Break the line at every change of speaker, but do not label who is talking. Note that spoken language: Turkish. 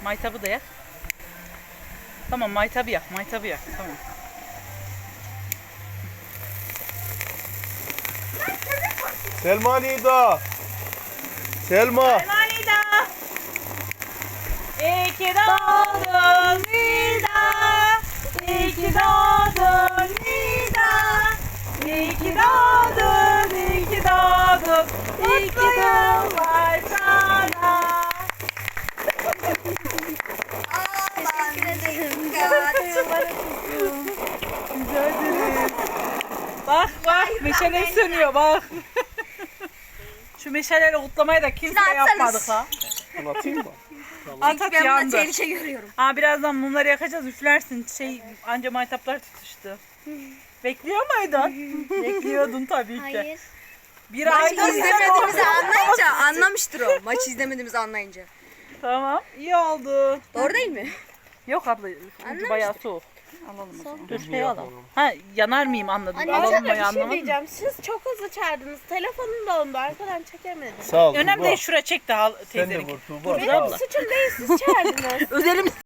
Maytabı da yak. Tamam maytabı yak. Maytabı yak. Tamam.
Selma Nida. Selma.
Nida. İyi ki doğdun Nida. İyi ki doğdun Nida. İyi ki doğdun, iyi ki doğdun. Mutlu yıllar sana. Rica ederim. Bak bak meşale sönüyor bak. Şu meşaleyle kutlamayı da kimse yapmadık ha.
Bunu atayım mı?
At at
Ben bunda
yandı.
tehlike görüyorum.
Ha birazdan mumları yakacağız üflersin. Anca maytaplar tutuştu. Bekliyor muydun? Bekliyordun tabii ki.
Hayır.
Bir
Maç
aydır
izlemediğimizi anlayınca anlamıştır o. Maç izlemediğimizi anlayınca.
Tamam iyi oldu.
Doğru değil mi?
Yok abla ucu
Anlamıştır.
bayağı soğuk. Alalım o zaman. Dur şey
Yapalım.
alalım. Ha yanar mıyım anladım.
Anne
Alalım
sana
mı
bir şey
anlamadım.
diyeceğim. Siz çok hızlı çağırdınız. Telefonum dondu. Arkadan çekemedim.
Sağ ol.
Önemli
Tuğba.
değil şuraya çek de al
Sen de
teyzeninki.
vur Tuğba.
Dur
Sağ ol.
abla.
Suçum değil, siz çağırdınız.
Özelim